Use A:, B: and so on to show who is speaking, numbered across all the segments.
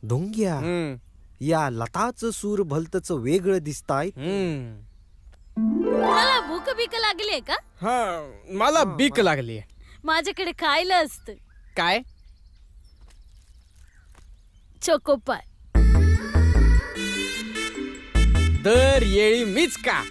A: ढोंग्या, या लताचं सूर भलतच वेगळं दिसताय.
B: मला भूक बीक लागली का?
C: हा मला बीक लागली.
B: माझ्याकडे खायला असतं.
C: काय?
B: चोकोपाय.
C: दर येळी मीच का?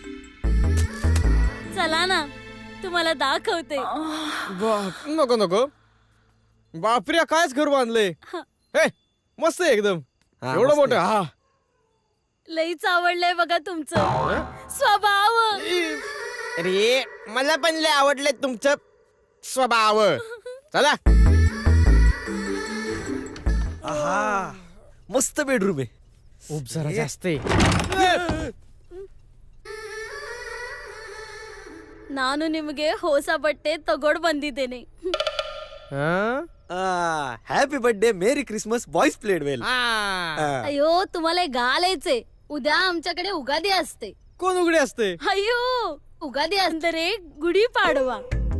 B: चला ना, तुम्हाला दाखवते.
C: नको नको. बापरे, कायच घर बांधलंय. हे मस्त आहे एकदम. एवढं मोठं. हा
B: लईच आवडलंय बघा तुमचं स्वभाव.
C: अरे मला पण लय आवडले तुमचं स्वभाव. चला.
A: आहा, मस्त बेडरूम आहे.
C: खूप जरा जास्त आहे.
B: ನಾನು ನಿಮಗೆ ಹೊಸ ಬಟ್ಟೆ ತಗೊಂಡ್ ಬಂದಿದ್ದೇನೆ.
A: Happy birthday, merry Christmas. Boys played well.
B: अयो, तुम्हाला घालायचे. उद्या आमच्याकडे उगादी असते.
C: कोण उघडे असते?
B: अयो, उगादी अंतरे गुढी पाडवा.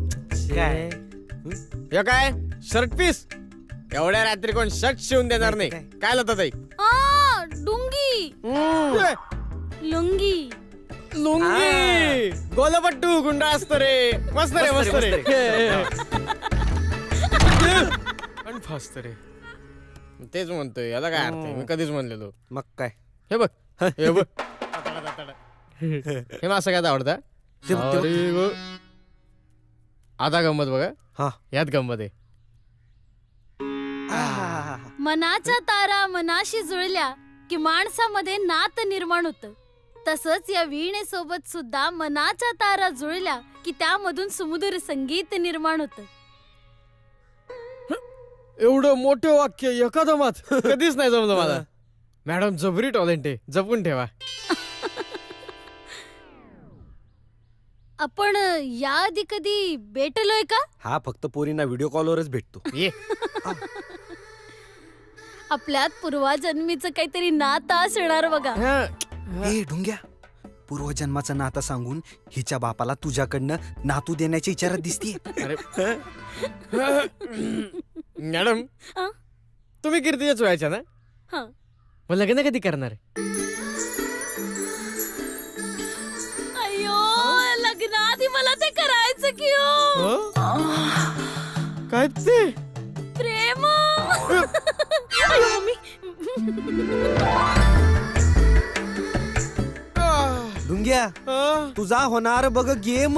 C: हे काय शर्ट पीस? एवढ्या रात्री कोण शर्ट शिवून देणार नाही. काय लावतात ताई?
B: डुंगी लुंगी
C: लुंगी गोलपट्टू गुंडा असतो रे. मस्त रे मस्त रे. पण फास्ट रे. तेच म्हणतोय, याला काय अर्थ आहे? मी कधीच म्हणलेलो.
A: मग काय?
C: हे बघ हे बघ. हे मला सगळ्यात आवडतं. आता गंमत बघा.
A: हा,
B: यात गंमत आहे. मनाच्या तारा मनाशी जुळल्या की माणसामध्ये नात निर्माण होतं. तसंच या वीणेसोबत सुद्धा मनाच्या तारा जुळल्या की त्यामधून सुमधुर संगीत निर्माण होतं.
C: एवढं मोठं वाक्य एका दमात कधीच नाही जमलं मला. मॅडम जबरी टॅलेंट आहे, जपून ठेवा.
B: आपण याआधी कधी भेटलोय का?
A: हा फक्त पोरींना व्हिडिओ कॉलवरच भेटतो.
C: ये
B: आपल्यात पूर्वजन्मीचं काहीतरी नातं असणार बघा.
A: ए ढुंग्या, पूर्वजन्माचं नातं सांगून हिच्या बापाला तुझ्याकडनं नातू देण्याची इच्छा दिसतीये.
C: अरे मॅडम, तुम्ही कीर्तीच्याच व्हायच्या ना? मग लग्न कधी करणार?
B: अयो, लग्नाआधी मला ते करायचं की हो.
C: काय ते?
B: प्रेम.
A: ढुंग्या, तुझा होणार बघ गेम.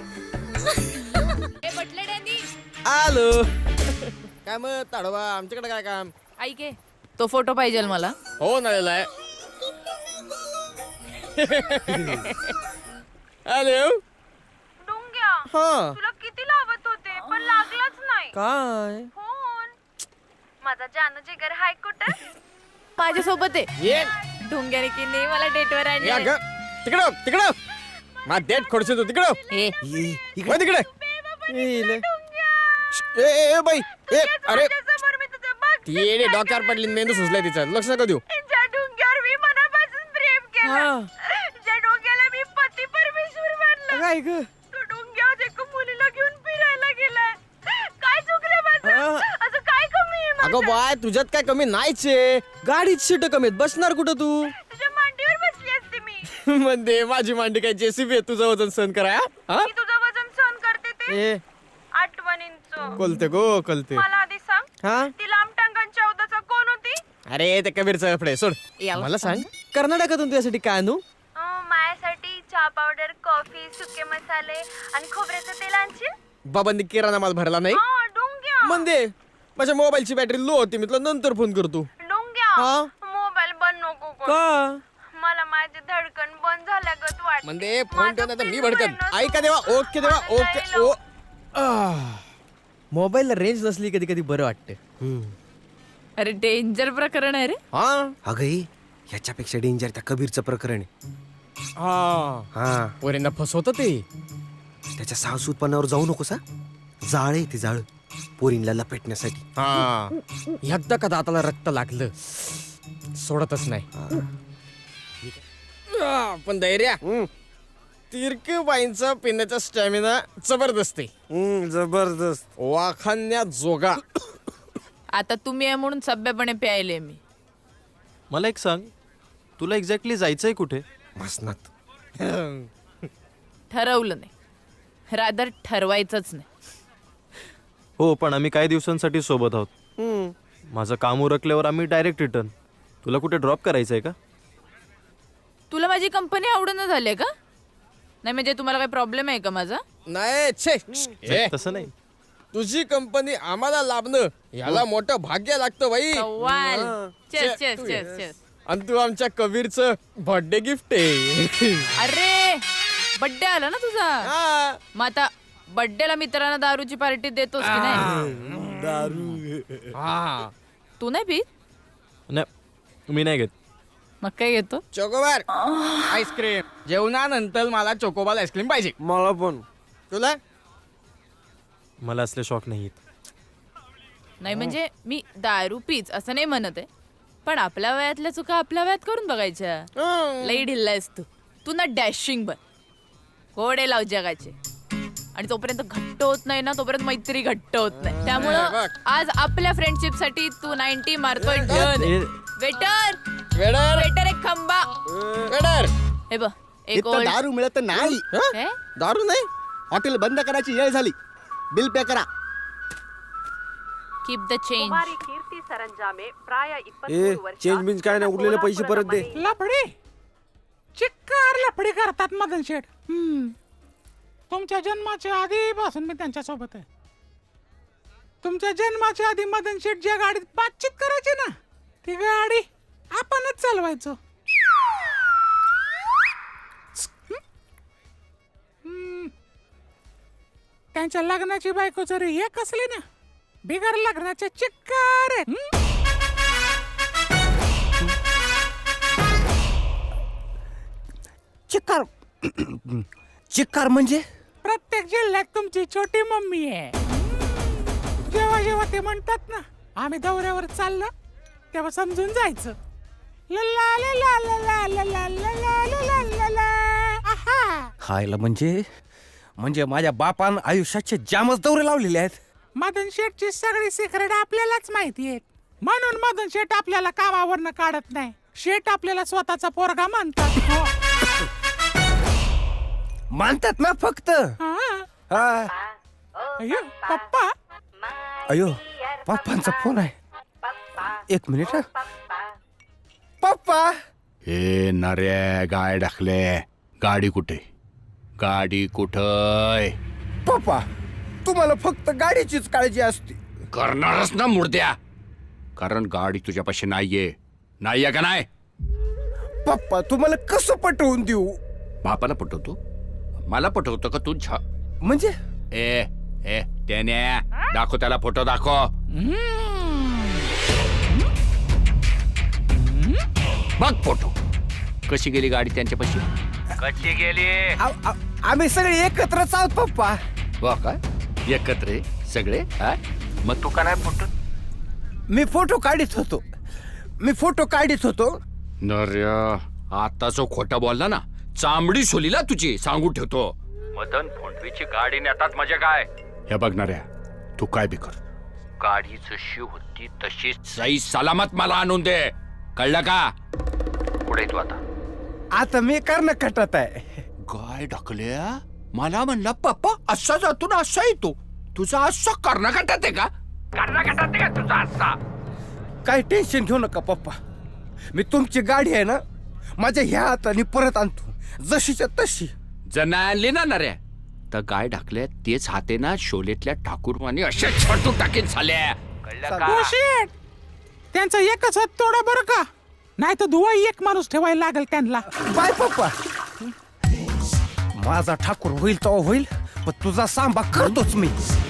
C: आलो. काय मग ताडोबा, आमच्याकडे काय काम?
D: ऐक, तो फोटो पाहिजे मला.
C: हो ना. हॅलो
E: डुंग्या,
C: हा
E: तुला किती लावत होते पण लागलाच नाही
C: काय?
E: फोन. माझा जानू जिगर हाय कुठे?
D: माझ्यासोबत आहे.
C: ये
D: ढोंग्याने की नाही मला डेटवर
C: या
D: आणलं.
C: तिकडं मा डेट खोडशील तू. तिकडं तिकडे. ए बाई, ए अरे
E: समोर मी तुझं बघ.
C: ती येडे डोक्यावर पडली, मेंदू सुचलाय तिचा. लक्ष नका देऊ.
E: ज्या डुंग्यावर मी मनापासून प्रेम केलं, ज्या डोंग्याला मी पती परमेश्वर मानलं,
C: काय ग?
E: तो डुंग्या एका मुलीला घेऊन फिरायला गेलाय. काय चुकलं माझं? असं काय कमी आहे माझं?
C: अगं बाय, तुझ्यात काय कमी नाहीच आहे. गाडीत सीट कमी आहेत, बसणार कुठं तू?
E: तुझ्या मांडीवर बसली असते मी.
C: म्हणजे माझी मांडी काय जेसीबी आहे तुझं वजन सहन करा?
E: मी तुझं वजन सहन करते ते आठवणींचं.
C: कळते गो कळते.
E: मला आधी सांग, ती लांब टांगांच्या औदाचा कोण होती?
C: अरे ते कबीरचं फडे सोड. मला सांग, कर्नाटकातून तुझ्यासाठी काय आणू?
E: माझ्यासाठी चहा पावडर, कॉफी, सुके मसाले आणि खोबऱ्याचं तेल आणशील?
C: बाबांनी किराणा माल भरला नाही.
E: डुंग्या,
C: म्हणजे माझ्या मोबाईलची बॅटरी लो होती, मी तुला नंतर फोन करतो.
E: डुंग्या, मोबाईल बंद नको करू.
C: का?
E: मला माझी धडकन बंद झाल्यागत वाटते.
C: म्हणजे फोन ठेवून आता मी भडकन. ऐका देवा, ओके देवा, ओके. ओ मोबाईलला रेंज नसली कधी कधी बरं वाटतं.
D: अरे डेंजर प्रकरण आहे रे.
A: अगं, ह्याच्यापेक्षा डेंजर त्या कबीरचं प्रकरण आहे.
C: हा पोरींना फसवतं ते.
A: त्याच्या सासूपणावर जाऊ नकोस. जाळ आहे ते, जाळ पोरींला लपेटण्यासाठी.
C: एकदा का दाताला रक्त लागलं सोडतच नाही. पण धैर्य, तिरके बाईंचा पिण्याचा स्टॅमिना जबरदस्त आहे.
A: जबरदस्त,
C: वाखान्या जोगा.
D: आता तुम्ही आहे म्हणून सभ्यपणे प्यायले मी.
F: मला एक सांग, तुला एक्झॅक्टली जायचंय कुठे?
C: मसनात.
D: ठरवलं नाही, रादर ठरवायचंच नाही.
F: हो, पण आम्ही काही दिवसांसाठी सोबत आहोत. माझं काम उरकल्यावर आम्ही डायरेक्ट रिटर्न. तुला कुठे ड्रॉप करायचंय का?
D: तुला माझी कंपनी आवडून झाली का? नाही म्हणजे तुम्हाला काही प्रॉब्लेम आहे का माझा?
C: नाही छे ए,
F: तसं नाही.
C: तुझी कंपनी आम्हाला लाभणं याला मोठं भाग्य लागतं बाई.
D: कव्वाल. चेस
C: चे-
D: चेस
C: तू
D: चेस
C: yes.
D: चेस.
C: आणि तू आमच्या कबीरचं बर्थडे गिफ्ट आहे.
D: अरे बर्थडे आला ना तुझा,
C: हा.
D: मग आता बर्थडेला मित्रांना दारूची पार्टी देतोस की नाही?
C: हा.
D: तू नाही पीत?
F: नाही, मी नाही घेत.
D: मग काय घेतो?
C: Chocobar ice cream. जेवणानंतर मला चोकोबार आईस्क्रीम पाहिजे.
A: मला पण.
C: तुला
F: मला असले शॉक नाही आहेत.
D: नाही म्हणजे मी दारू पीच असं नाही म्हणत आहे, पण आपल्या वयातल्या चुका आपल्या वयात करून बघायच्या. लई ढिल्लायस तू ना डॅशिंग बन, घोडे लाव जगाचे. आणि तोपर्यंत घट्ट होत नाही ना, तोपर्यंत मैत्री घट्ट होत नाही. त्यामुळं
C: बघ.
D: आज आपल्या फ्रेंडशिप साठी तू 90 मारतोय. डन. वेटर
C: वेडर
D: वेटर एक खंबा.
C: वेडर.
D: हे बघ एक
G: इथं
D: ओल्ड.
G: दारू मिळत नाही.
D: काय?
C: दारू नाही.
G: हॉटेल बंद करायची वेळ झाली. बिल पे करा.
D: Keep the change.
E: Kumari Kirti Saranjame प्राय 23
A: ए,
E: वर्षात
A: चेंज बिंज काय नाही, उरलेले पैसे परत दे.
H: लफडी चिक्कार लफडी करतात मदन शेठ. तुमच्या जन्माच्या आधीपासून मी त्यांच्या सोबत आहे. तुमच्या जन्माच्या आधी मदन शेठ ज्या गाडीत बातचीत करायची ना, ती गाडी आपणच चालवायचो. त्यांच्या लग्नाची बायको जरी एक असली ना, बिगर लग्नाच्या चिक्कार आहेत.
A: चिक्कार. चिक्कार म्हणजे?
H: प्रत्येक जिल्ह्यात तुमची छोटी मम्मी आहे. जेव्हा जेव्हा ते म्हणतात ना आम्ही दौऱ्यावर चाललो, तेव्हा समजून जायचं. लला लला लला लला लला लला लला. आहा.
A: खायला म्हणजे माझ्या बापान आयुष्याचे जामच दौरे लावलेले आहेत.
H: मदन शेठची सगळी सिक्रेट आपल्यालाच माहिती आहेत, म्हणून मदन शेठ आपल्याला कामावरनं काढत नाही. शेठ आपल्याला स्वतःचा पोरगा मानतात. हो.
A: मानतात ना फक्त.
H: हा.
A: हा.
H: अय्यो, पप्पा.
A: अयो, पप्पांचा फोन आहे. एक मिनिट. हा. पप्पा.
I: हे नरे गाय टाकले. गाडी कुठे? गाडी कुठय?
A: पप्पा, तुम्हाला फक्त गाडीचीच काळजी असते.
I: करणारच ना मुर्द्या, कारण गाडी तुझ्यापाशी नाहीये का नाही?
A: पप्पा, तुम्हाला कसं पटवून देऊ?
I: बापाला पटवतो? मला पटवतो का तू?
A: म्हणजे
I: ए ए त्याने दाखव, त्याला फोटो दाखव. बघ फोटो. कशी गेली गाडी त्यांच्यापाशी? कशी गेली?
A: आम्ही सगळे एकत्रच आहोत पप्पा.
I: वा काय एकत्र आहे सगळे? हा? मग तू का नाही फोटो?
A: मी फोटो काढीत होतो.
I: नर्या, आता जो खोटा बोलला ना, चांबडी सोलीला तुझी सांगून ठेवतो. मदन फोंडवीची गाडी नेतात म्हणजे काय? हे बघणाऱ्या, तू काय बी कर, गाडी जशी होती तशी सही सलामत मला आणून दे. कळलं का? पुढे तू
A: आता मी कर्णकटात आहे.
I: गाय ढकल्या. मला म्हणला पप्पा असा जातो ना असा येतो. तुझा असा कर्नाटकात आहे का? कर्नाटकात आहे का तुझा असा?
A: काही टेन्शन घेऊ नका पप्पा. मी तुमची गाडी आहे ना, माझ्या ह्या हाताने परत आणतो, जशीच्या तशी.
I: जर नाही आणली ना नऱ्या, तर गाय ढकल्या तेच हाते ना शोलेतल्या ठाकूरवाणी अशा छटू टाकीन झाल्या. कळलं का?
H: हो शेठ, त्यांचा एकच हात तोडा बरं का, नाही तर दुवा एक माणूस ठेवायला लागेल त्यांना.
A: बाय पप्पा. माझा ठाकूर होईल तो होईल, पण तुझा सांबा करतोच मी.